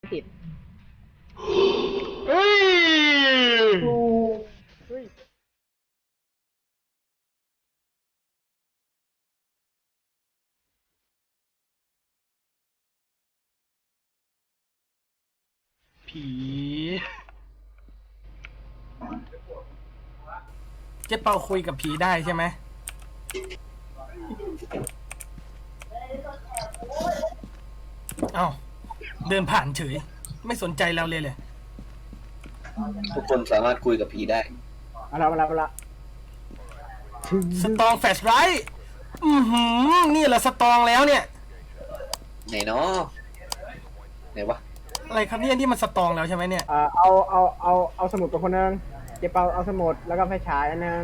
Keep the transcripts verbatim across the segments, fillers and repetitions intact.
ติดเฮ้ยเฮ้ยผี เจ๊เปาคุยกับผีได้ใช่ไหมเอ้าเดินผ่านเฉยไม่สนใจเราเลยเลยทุกคนสามารถคุยกับผีได้เอาละเอาละเอาละถึงสตองแฟชไรท์อือหือนี่แหละสตองแล้วเนี่ยไหนเนาะไหนวะอะไรครับเนี่ยที่มันสตองแล้วใช่ไหมเนี่ยเอ่อเอาเอาเอาเอาสมุดตัวคนหนึงเก็บเปาเอาสมุดแล้วก็ไฟฉายอันหนึง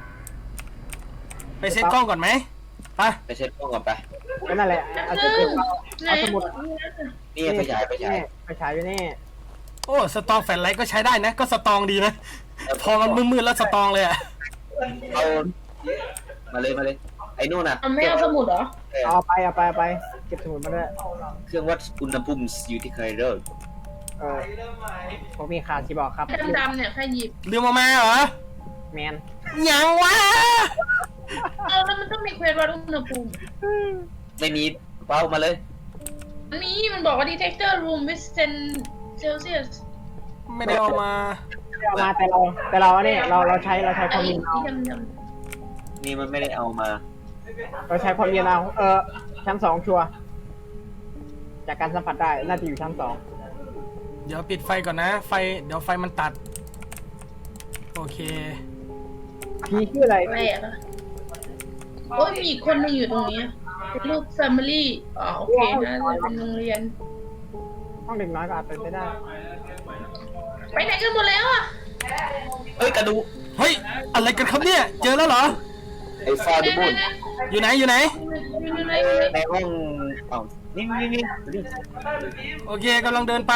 ไปเซ็ตกล้องก่อนไหมไปไปเช็ดกล้องก่อนไปก็นั่นแหละเอาสมุดเอาสมุดนี่ไปฉายไปฉายไฟฉายอยู่นี่โอ้สตองแฟชไรท์ก็ใช้ได้นะก็สตองดีนะพอมันมืดๆแล้วสตองเลยอะเอามาเลยมาเลยไอ้นู่นน่ะเอาไม่เอาสมุดเหรอเออเอาไปเอาไปเอาไปเก็บสมุดมาด้วยเครื่องวัดอุณหภูมิอยู่ที่ใครเด้อเออผมมีขาดที่บอกครับดำๆเนี่ยใครหยิบลืมออกมาเหรอแมนยังวะเออแล้วมันต้องมีเควสวัดอุณหภูมิไม่มีเป้ามาเลยมันมีมันบอกว่า detector room with ten celsius ไม่ได้เอามาไม่เอามาแต่เราแต่เราเนี่ยเราเราใช้เราใช้ความไอ้เย็นเอาที่ดำนี่มันไม่ได้เอามาเราใช้ความเย็นเอาเออชั้นสองชัวร์จากการสัมผัสได้น่าจะอยู่ชั้นสองเดี๋ยวปิดไฟก่อนนะ ไฟเดี๋ยวไฟมันตัด โอเคผีชื่ออะไรๆแปลกอะโอ้ยมีอีกคนหนึงอยู่ตรงนี้เป็นรูป family อ๋อโอเคนะจะเป็นโรงเรียนห้องเด็กน้อยก็อาจเป็นไปได้ไปไหนกันหมดแล้วอ่ะเฮ้ยกระดูกเฮ้ย อะไรกันครับเนี่ย เจอแล้วเหรอไอ้ฟาดูบุนอยู่ไหน อยู่ไหนอยู่ไหนในห้องเอ้านี่นี่นี่นี่โอเคกำลังเดินไป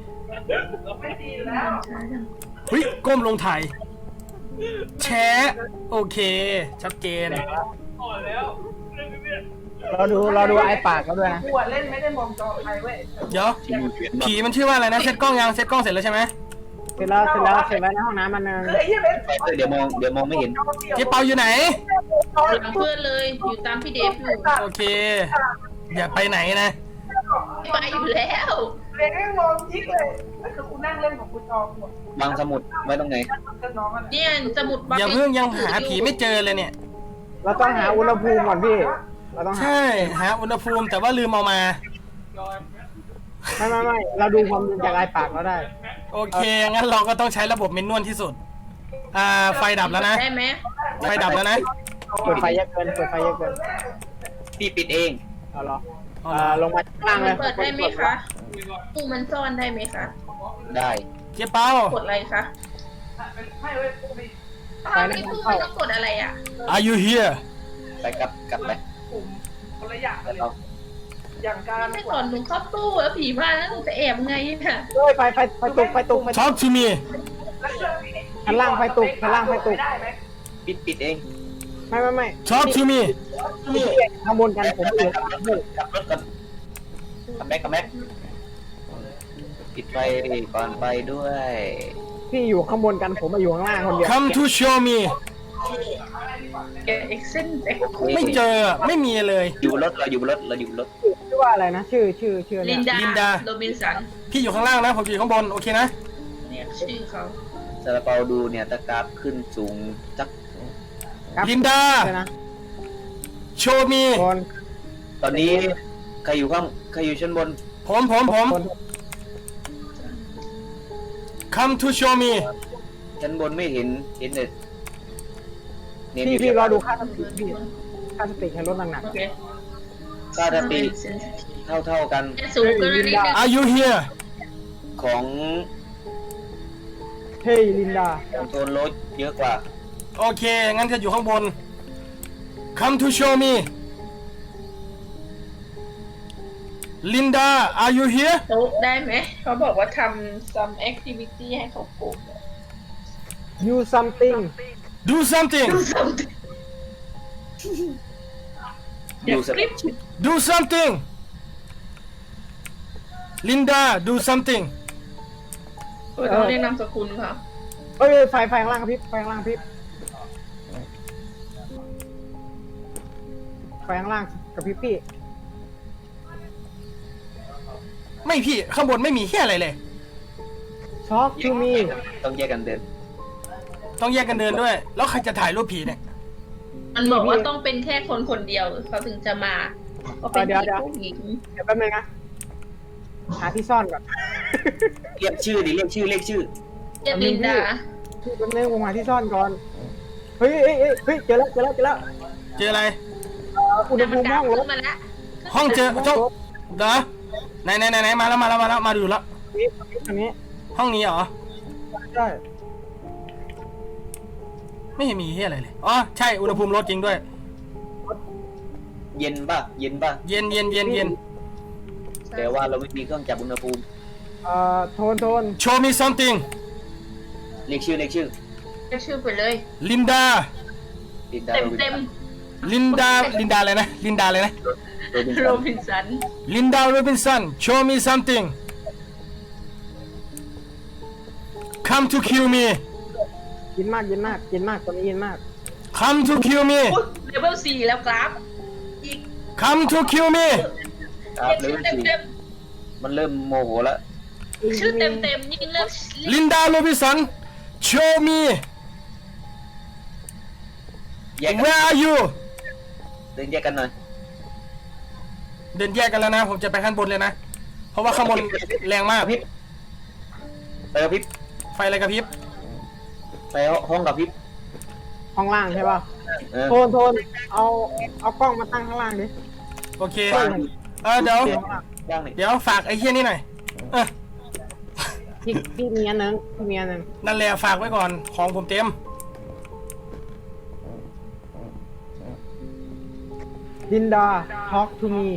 เฮ้ย ก้มลงถ่าย แชะโอเค ชัดเจนเราดูเราดูไอ้ปากเขาด้วยนะเดี๋ยว ผีมันชื่อว่าอะไรนะ เซ็ตกล้องยัง เซ็ตกล้องเสร็จแล้วใช่ไหมเสร็จแล้วเสร็จแล้วเสร็จแล้วในห้องน้ำมันนึงเดี๋ยวมองเดี๋ยวมองไม่เห็นเจ๊เปาอยู่ไหนหลังเพื่อนเลยอยู่ตามพี่เดฟอยู่โอเค อย่าไปไหนนะไปอยู่แล้วเรียนไม่มองยิกเลยแล้วคือคุณนั่งเล่นของคุณจอหัววางสมุดไว้ตรงไหนกับน้องอ่ะเนี่ยสมุดบัคอย่าเพิ่งยังหาผีไม่เจอเลยเนี่ยเราต้องหาอุณหภูมิก่อนพี่เราต้องหาใช่ หาอุณหภูมิแต่ว่าลืมเอามาไม่ไม่ไม่เราดูความเย็นจากไอ้ปากเราได้โอเค งั้นเราก็ต้องใช้ระบบเมนนวลที่สุด อ่า ไฟดับแล้วนะได้ไหมไฟดับแล้วนะเปิดไฟเยอะเกินเปิดไฟเยอะเกินพี่ปิดเองเอาเหรอเอาเอ่เหรออลงมาข้างล่างเลมัยนเปิดได้ไหมคะตู้มันซ่อนได้ไหมคะได้เจ๊เปากดอะไรคะให้ไว้พวกนี้ถ้าไม่ตู้มันต้องกดอะไรอ่ะ Are you here ไปกลับกลับไปกลุ่มคนละอย่างแล้วเลยเราอย่างการไม่ก่อนหนูเข้าตู้แล้วผีมาแล้วหนูจะแอบไงอ่ะเฮ้ยไฟไฟไฟตุกไฟตุกไฟตุก Talk to me ชั้นล่างไฟตุกชั้นล่างไฟตุกได้ไหมปิดปิดเองไม่ไม่ไม่ Talk to me พี่ข้างบนกันผมอยู่กลับรถกลับรถก่อนกลับแม็กกลับแม็กปิดไฟก่อนไปด้วยพี่อยู่ข้างบนกันผมมาอยู่ข้างล่างคนเดียว Come to show me แกเอ็กเซนเด็กไม่เจอ ไม่มีเลยอยู่บนรถเราอยู่บนรถเราอยู่บนรถชื่อว่าอะไรนะชื่อชื่อชื่อลิเนี่ยนดาลินดาโรบินสันพี่อยู่ข้างล่างนะ ผมอยู่ข้างบน โอเคนะเนี่ยชื่อเขาซาลาเปาดูเนี่ยตะกราฟขึ้นสูงจักครับลินดาใช่นะ Show me คนตอนนี้ใครอยู่ข้างใครอยู่ชั้นบนผมผมผมคน Come to show me ชั้นบนไม่เห็นเห็นแต่เน้นอพี่ยู่พี่ที่รอดูค่าสติพี่ค่าสติให้ลดหนักโอเคค่าสติเท่าเท่าๆกันแค่สูงเกินนิดนึง Are you here ของๆเฮ้ยลินดาของโทนโรสเยอะกว่าโอเค งั้นจะอยู่ข้างบน Come to show me Linda are you here โต๊ะได้ไหม เขาบอกว่าทำ some activity ให้เขาปลูกยูซัมติง Do something something ดูสคลิป Do something ลินดา do something เออต้องเรียกนามสกุลค่ะเอ้ยไฟไฟข้างล่างครับพี่ไฟข้างล่างพี่ไฟข้างล่างกับพี่พี่ไม่พี่ข้างบนไม่มีแค่อะไรเลยช็อกทูมีต้องแยกกันเดินต้องแยกกันเดินด้วย แล้วใครจะถ่ายรูปผีเนี่ยมันบอกว่าต้องเป็นแค่คนคนเดียวเขาถึงจะมาก็เป็นผีผู้หญิงเดี๋ยวแป๊บนึงนะหาที่ซ่อนก่อนเรียกชื่อดิเรียกชื่อเรียกชื่อเรียกลินดาพี่แป๊บนึงผมหาที่ซ่อนก่อนเฮ้ยเฮ้ยเฮ้ยเฮ้ยเจอแล้วเจอแล้วเจอแล้วเจออะไรเอ่ออุณหแต่ภูมันมิดัห้งองรขึ้ถนมาแล้วห้องเจอเจ้าเด้อไหนไหนไหนไหนมาแล้วมาแล้วมาแล้วมาดูแล้วนี่อันนี้ห้องนี้เหรอใช่ไม่เห็นมีที่อะไรเลยอ๋อใช่อุณหภูมิลดจริงด้วยเย็นป่ะเย็นป่ะเย็นเย็นเย็นเย็นแต่ว่าเราไม่มีเครื่องจับอุณหภูมิเอ่อโทนโทน show me something เรียกชื่อเรียกชื่อเรียกชื่อไปเลยลินดาลินดาเต็มเต็มลินดาลินดาอะไรนะลินดาอะไรนะโรบินโรบินสันลินดาโรบินสัน show me something come to kill me กินมากกินมากกินมากตอนนี้กินมาก come to kill me เลเวลสี่แล้วกราฟอีก come to kill me ครับเรียกเริ่ชื่มอเต็มสี่เต็มมันเริ่มโมโหแล้วชื่อเต็มเต็มยิ่งเริ่มลินดาโรบินสัน show me แยกกัน where are you เดินแยกกันหน่อยเดินแยกกันแล้วนะ ผมจะไปข้างบนเลยนะ เพราะว่าข้างบนแรงมากกระพริบไปกระพริบไฟอะไรกระพริบไปห้องกระพริบห้องล่างใช่ป่ะเออโทนโทนเอาเอากล้องมาตั้งข้างล่างดิโอเคเออเดี๋ยวย่างนี่เดี๋ยวฝากไอ้เหี้ยนี่หน่อยเออพี่พี่มีอันหนึงพี่มีอันหนึงนั่นแหละฝากไว้ก่อนของผมเต็มลินดา talk to me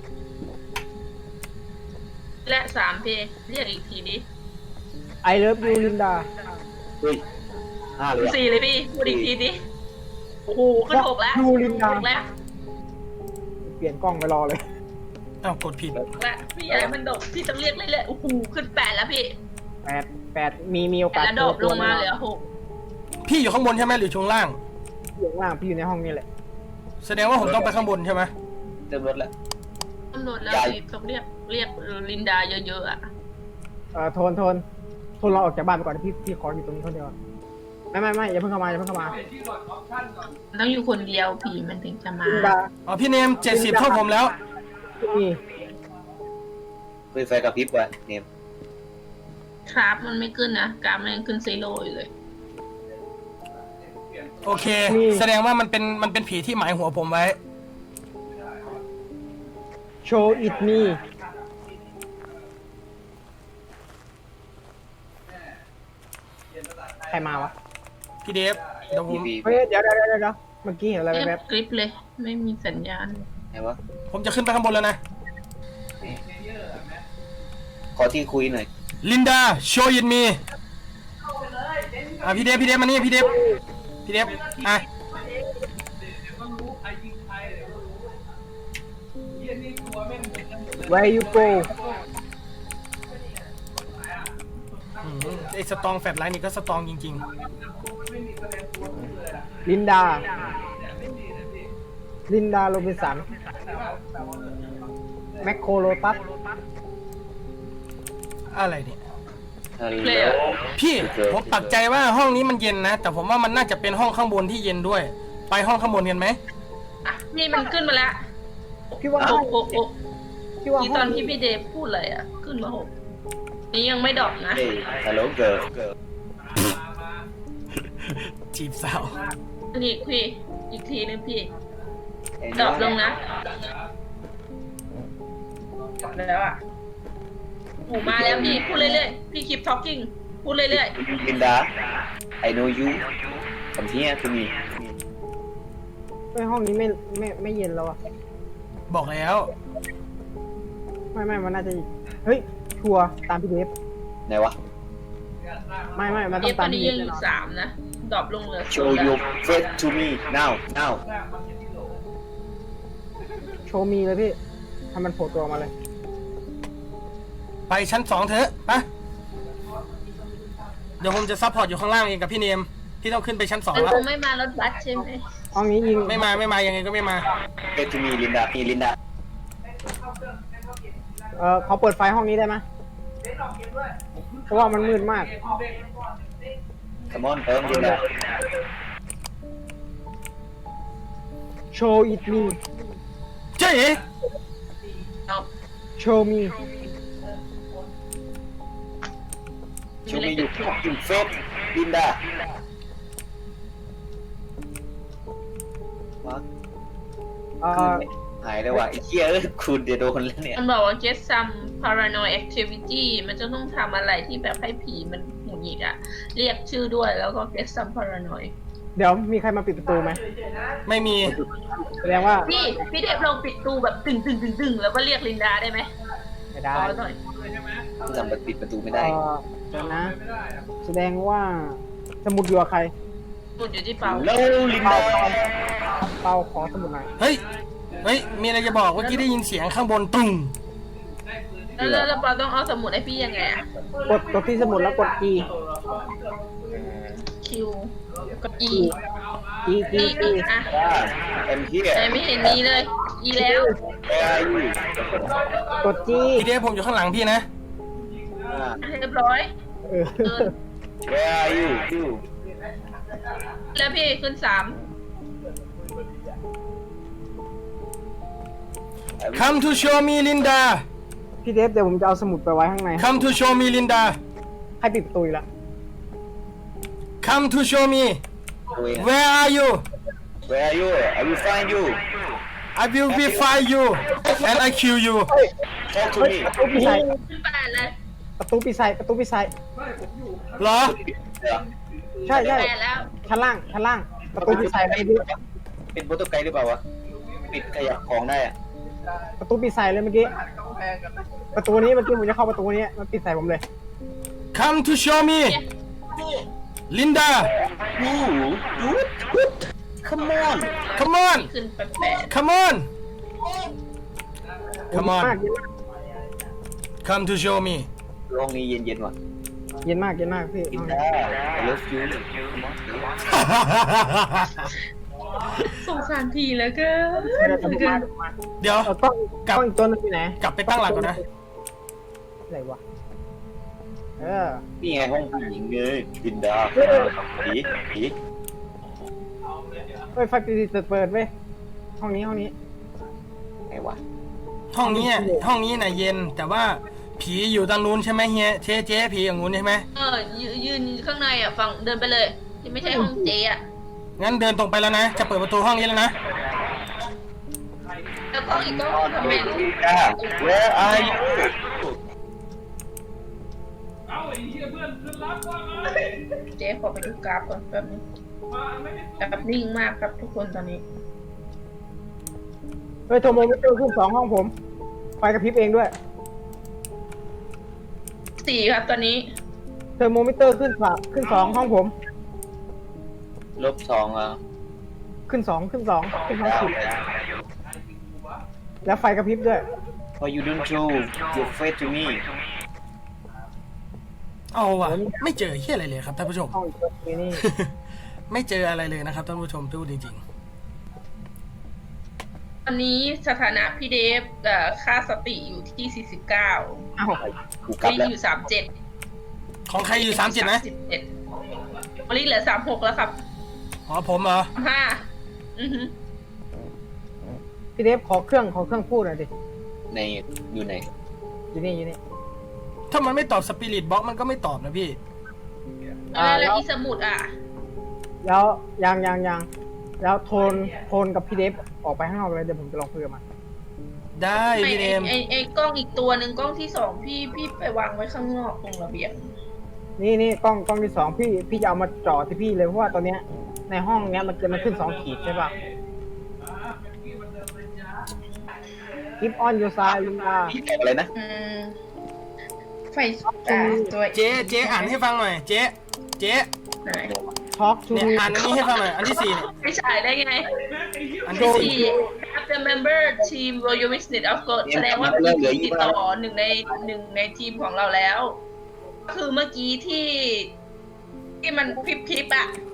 และสามเพลงเรียกอีกทีดิ I love you ลินดาเฮ้ยห้าเลยอะสี่เลยพี่พูดอีกทีดิโอ้โหขึ้นหกแล้วยูลินดาหกแล้วเปลี่ยนกล้องไปรอเลยอ้าวกดผิดหกแล้วพี่อะไรมันดกพี่ต้องเรียกเรื่อยๆโอ้โหขึ้นแปดแล้วพี่แปดแปดมีมีโอกาสแล้วดกลงมาเหลือหกพี่อยู่ข้างบนใช่ไหมหรือช่วงล่างอยู่ข้างล่างพี่อยู่ในห้องนี้แหละแสดงว่าผมต้องไปข้างบนใช่ไหมเริ่มลดแล้วตำรวจแล้วพี่ต้องเรียกเรียกลินดาเยอะๆอ่ะเอ่อโทนโทนโทนเราออกจากบ้านไปก่อนพี่พี่ขออยู่ตรงนี้คนเดียวไม่ไม่ไม่อย่าเพิ่งเข้ามาอย่าเพิ่งเข้ามามันต้องอยู่คนเดียวผีมันถึงจะมาลินดาอ๋อพี่เนมเจ็ดสิบเท่าผมแล้วนี่เปิดไฟกระพริบว่ะเนมครับมันไม่ขึ้นนะกราฟมันยังขึ้นซีโร่อยู่เลยโอเค แสดงว่ามันเป็นมันเป็นผีที่หมายหัวผมไว้โชว์อิดมีใครมาวะพี่เดฟเดี๋ยวผพีมพีเฮ้ยเดี๋ยวเดี๋ยวเดี๋ยวเดี๋ยวเมื่อกี้เห็นอะไรเรียแวบบ กริปเลย ไม่มีสัญญาณไหนวะผมจะขึ้นไปข้างบนแล้วนะขอที่คุยหน่อยลินดา show it me อ่ะพี่เดฟพี่เดฟมานี่พี่เดฟพี่เดฟอ่ะๆ Where you go อืมไอ้สตองแฟลชไลท์นี่ก็สตองจริงลินดา ลินดาโรบินสัน แมคโครโลตัสๆ อะไรเนี่ยฮัลโหเลลยอะพี่ผมปักใจว่าห้องนี้มันเย็นนะ แต่ผมว่ามันน่าจะเป็นห้องข้างบนที่เย็นด้วย ไปห้องข้างบนกันไหมอ่ะนี่มันขึ้นมาแล้วพี่ว่าหห้องกหกหกพี่ว่าที่ห้ตออง นที่พี่เดฟพูดเลยอ่ะ ขึ้นมาหกนี่ยังไม่ดรอกนะเฮ้ยฮัลโหลเกิร์ลจีบสาวนี่พี่อีกทีนึงพี่ไอ้ดรน้ออก งลงนะดรอปแล้วอ่ะโอ้มาแล้วพี่พูดเรื่อยๆพี่ keep talking พูดเรื่อยลินดา I know you come here to me เฮ้ยห้องนี้ไม่ไม่ไม่เย็นแล้วอะบอกแล้วไม่ไม่มันน่าจะเฮ้ยชัวร์ตามพี่เดฟไหนวะไม่ไม่มันๆต้เอองฟตตาอมนนี้พี่เดยัฟงอแน่ยู่นอนสามนะดรอปลงเหลือ show your face to me now now โชว์มีเลยพี่ทำมันโผล่ตัวมาเลยไปชั้นสองเถอะไปเดี๋ยวผมจะซัพพอร์ตอยู่ข้างล่างเองกับพี่เนมพี่ต้องขึ้นไปชั้นสองมันแล้วคงไม่มารถบัสใช่ไหมห้องนี้ยิงไม่มาไม่มายังไงก็ไม่มาเอทูมีลินดามีลินดาเออเขาเปิดไฟห้องนี้ได้ไหมเพราะว่ามันมืดมากสมอนเติมลินดา show it me เจ๊ show me ชูมีอยู่อยู่เฟสลินดาวักเออหายเลยว่ะไอ้เหี้ยเอ้ยคุณเดี๋ยวโดนแล้วเนี่ยมันบอกว่า get some paranoid activity มันจะต้องทำอะไรที่แบบให้ผีมันหงุดหงิดอะเรียกชื่อด้วยแล้วก็ get some paranoid เดี๋ยวมีใครมาปิดประตูไหมไม่มีแสดงว่าพี่พี่เดฟลองปิดตู้แบบตึงตึงตึงตึงแล้วก็เรียกลินดาได้ไหมไม่ได้ขอหน่อยทำแบบปิดประตูไม่เอได้อเดี๋ยวนะ แสดงว่าสมุดอยู่กับใครมุดอยู่ที่เปาโลลินดาเปาขอสมุดหน่อยเฮ้ยเฮ้ยมีอะไรจะบอกเมื่อกี้ได้ยินเสียงข้างบนตุ้งแล้วแล้วแล้วเปาต้องเอาสมุดให้พี่ยังไงอะกดกดที่สมุดแล้วกด E คิวกับ E E E E E อ่ะเอ็มเฮียแต่ไม่เห็นมีเลย E แล้วแอร์ยูกด G พี่เดฟผมอยู่ข้างหลังพี่นะเรียบร้อยเออเกินแอร์ยูยูแล้วพี่ขึ้นสาม Come to show me Linda พี่เดฟเดี๋ยวผมจะเอาสมุดไปไว้ข้างใน Come to show me Linda ให้ปิดประตูอีกแล้ว Come to show me Where are you Where are you I will find you I will be find you and I kill you Talk to เฮ้ย me ประตูปิดใส่ขึ้นแปดเลยประตูปิดใส่ประตูปิดใส่เหรอใช่ใช่แปดแล้วชั้นล่างชั้นล่างประตูปิดใส่เลยเป็นโปรโตไกด์หรือเปล่าวะปิดขยับของได้อะประตูปิดใส่เลยเมื่อกี้ประตูนี้เมื่อกี้ผมจะเข้าประตูนี้มันปิดใส่ผมเลย Come to show me Linda ยูยู Come on Come on ขึ้นไปแปด Come on Come เย็น on มาก Come to show me ห้องนี้เย็นๆว่ะเย็นมากเย็นมากพี่กินได้ I love you สงสารผีแล้วก็ไม่ได้ทำมามาเดี๋ยวเออกล้องกลับกล้องอีกตัวนึงอยู่ไหนกลับไปตั้งหลักก่อนนะอะไรวะเออนี่ไงห้องผู้หญิงเลยกินดาผีผีเฮ้ยไฟปิดเปิดเว้ยห้องนี้ห้องนี้ไงวะห้องนี้อะห้องนี้น่ะเย็นแต่ว่าผีอยู่ทางนู้นใช่ไหมเฮียเจ๊เจ๊ผีอย่างนู้นใช่ไหมเออยืนยืนข้างในอ่ะฝั่งเดินไปเลยที่ไม่ใช่ห้องเจอ่ะงั้นเดินตรงไปแล้วนะ จะเปิดประตูห้องนี้แล้วนะแล้วก็อีกก็ทำไมจ้า Where are you เจ๊ขอไปดูกราฟก่อนแป๊บนึงกราฟนิ่งมากครับทุกคนตอนนี้เฮ้ยโทรโมมิเตอร์ขึ้นสองห้องผมไฟกระพริบเองด้วยสี่ครับตอนนี้เทอร์โมมิเตอร์ขึ้นสามขึ้นสองห้องผมลบสองอ่ะขึ้นสองขึ้นสองขึ้นสองขีดแล้วไฟกระพริบด้วย Why you don't show your face to me เอาว่ะไม่เจอเฮียอะไรเลยครับท่านผู้ชมห้องอีกตัวนี้ไม่เจออะไรเลยนะครับท่านผู้ชมพูดจริงตอนนี้สถานะพี่เดฟเอ่อค่าสติอยู่ที่สี่สิบเก้าอ้าวกูกลับลิงแล้วอยู่สามสิบเจ็ดๆ ของใครอยู่สามเจ็ดนะสิบเจ็ดลิงเหลือสามหกแล้วครับอ๋อผมเหรอห้าอือฮึพี่เดฟขอเครื่องขอเครื่องพูดหน่อยดิในอยู่ไหนอยู่นี่อยู่นี่ถ้ามันไม่ตอบสปิริตบ็อกมันก็ไม่ตอบนะพี่อ่าแล้วแล้วอีสมุดอ่ะแล้วยังยังยังแล้วโทนโทนกับพี่เดฟออกไปข้างนอกเลยเดี๋ยวผมจะลองคุยกับมันได้ไอพี่เดไอมไอไอกล้องอีกตัวหนึ่งกล้องที่สองพี่พี่ไปวางไว้ข้างนอกตรงระเบียงนี่นี่กล้องกล้องที่สองพี่พี่จะเอามาจ่อที่พี่เลยเพราะว่าตอนเนี้ยในห้องเนี้ยมันจะมันขึ้นสองขีดใช่ป่ะ Keep on your side ลุงตาผีตอบอะไรนะอืมไฟอ่าตัวเจ๊เจ๊อ่านให้ฟังหน่อย เจ๊เจ๊ไหน Talk to เนี่ย me อ่านอันนี้ให้ฟังหน่อย อันที่สี่เนี่ยไม่ฉายได้ไงอันที่สี่สี่ the member team Royal Witness of God แสดงว่าพีพีติดต่อหนึ่งในหนึ่งในทีมของเราแล้ว คือเมื่อกี้ที่ที่มันพริบพริบๆอะ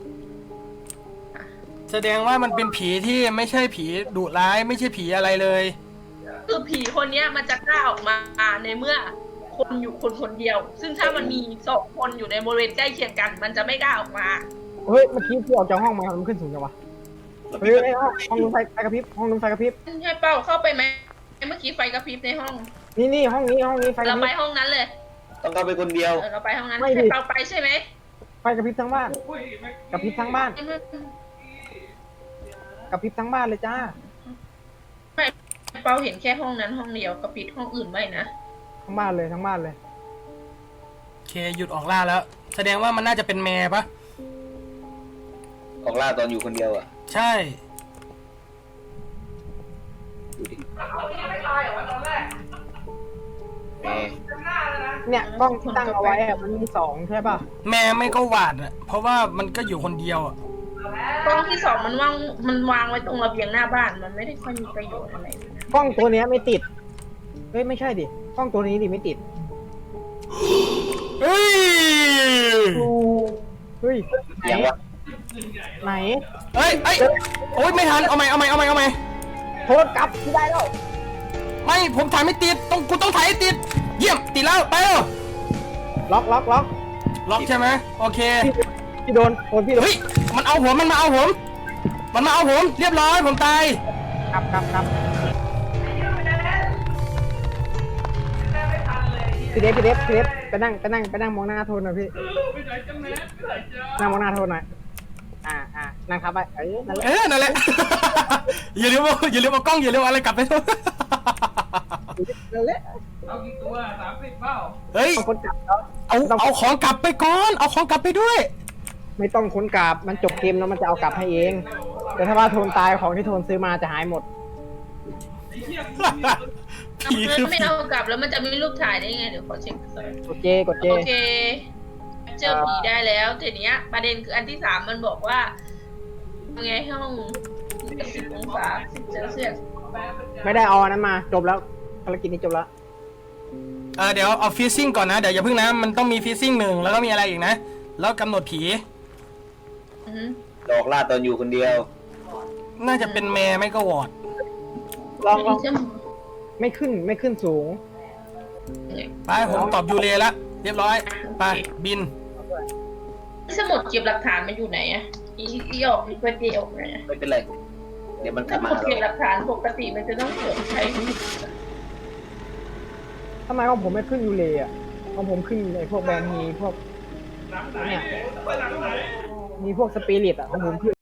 แสดงว่ามันเป็นผีที่ไม่ใช่ผีดุร้ายไม่ใช่ผีอะไรเลยคือผีคนเนี้ยมันจะกล้าออกมาในเมื่อคนอยู่คนคนเดียว ซึ่งถ้ามันมีสองคนอยู่ในบริเวณใกล้เคียงกัน มันจะไม่กล้าออกมาเฮ้ยเมื่อกี้พี่ออกจากห้องมามันขึ้นสูงจังวะเฮ้ยเฮ้ยห้องห้องนู้นไฟไฟกระพริบห้องนู้นไฟกระพริบให้เป้าเข้าไปไหมเมื่อกี้ไฟกระพริบในห้องนี่นี่ห้องนี้ห้องนี้ไฟกเราระพไปริบห้องนั้นเลยต้องเข้าไปคนเดียวเออเราไปห้องนั้นไม่ดิให้เป้าไปใช่ไหมไฟกระพริบทั้งบ้านกระพริบทั้งบ้านกระพริบทั้งบ้านเลยจ้าไม่เป้าเห็นแค่ห้องนั้นห้องเดียวกระปิดห้องอื่นไม่นะทั้งบ้านเลยทั้งบ้านเลยโอเคหยุดออกล่าแล้ว แสดงว่ามันน่าจะเป็นแม่ปะของล่าตอนอยู่คนเดียวอ่ะใช่ดูดิไม่ตายเหรอตอนแรกแม่หน้าเลยนะเนี่ยกล้องที่ตั้งเอาไว้อะมันมีสองใช่ป่ะแม่ไม่ก็หวาดอ่ะเพราะว่ามันก็อยู่คนเดียวอ่ะกล้องที่สองมันวางมันวางไว้ตรงระเบียงหน้าบ้านมันไม่ได้ค่อยมีประโยชน์อะไรเลยนะกล้องตัวเนี้ยไม่ติดเฮ้ยไม่ใช่ดิกล้องตัวนี้ดิไม่ติดเฮ้ยเฮ้ยเสียงวะไหนเฮ้ยเอ้ยโอ๊ยไม่ทันเอาใหม่เอาใหม่เอาใหม่เอาใหม่โทษกลับที่ได้แล้วไม่ผมถ่ายไม่ติดต้องกูต้องถ่ายให้ติด เยี่ยมติดแล้วไปแล้วล็อกล็อกล็อกล็อกใช่ไหมโอเคพี่พี่โดนโดนพี่โดนเฮ้ยมันเอาผมมันมาเอาผมมันมาเอาผมเรียบร้อยผมตายกลับกลับกลับพี่เดฟพี่เดฟพี่เดฟไปนั่งไปนั่งไปนั่งมองหน้าโทนหน่อยพี่นั่งมองหน้าโทนหน่อยอ่าอ่านั่งครับไปเอ้ยนั่นแหละเออนั่นแหละ อย่าลืมเอาอย่าลืมเอากล้องอย่าลืมเอาอะไรกลับไปนั่นแหละเอากี่ตัวสามสิบเปล่าเฮ้ยต้องคนกลับแล้วเอาเอาของกลับไปก่อนเอาของกลับไปด้วยไม่ต้องคนกลับมันจบเกมแล้วมันจะเอากลับให้เองแต่ถ้าว่าโทนตายของที่โทนซื้อมาจะหายหมดผีมันคือไม่ผีเอากลับแล้วมันจะมีรูปถ่ายได้ไงเดี๋ยวขอเช็คก่อนกดเจกดเจโอเค เจอผีได้แล้วทีเนี้ย ประเด็นคืออันที่สามมันบอกว่าไงห้องสิบองศาสิบเซลเซียสไม่ได้เอาอันนั้นมาจบแล้วภารกิจนี้จบแล้วเออเดี๋ยวเอาฟิซซิ่งก่อนนะเดี๋ยวอย่าเพิ่งนะมันต้องมีฟิซซิ่งหนึ่งแล้วก็มีอะไรอีกนะแล้วกำหนดผีอือฮึหลอกล่าตอนอยู่คนเดียวน่าจะเป็นแม่ไม่ก็วอดลองลองไม่ขึ้นไม่ขึ้นสูงไปผมตอบยูเรแล้วเรียบร้อยไปบินสมุดเก็บหลักฐานมันอยู่ไหนอะอีอีออกอีเพื่อเดียวไหนอะไม่เป็นไร เดี๋ยวมันกสลับมามุดหาเก็บหเราลักฐานปกติมันจะต้องเกิดใช้ทำไมของผมไม่ขึ้นยูเลอ่ะของผมขึ้นในพวกแบรนด์มีพวกเนี่ยมีพวกสปิริตอ่ะของผมขึ้น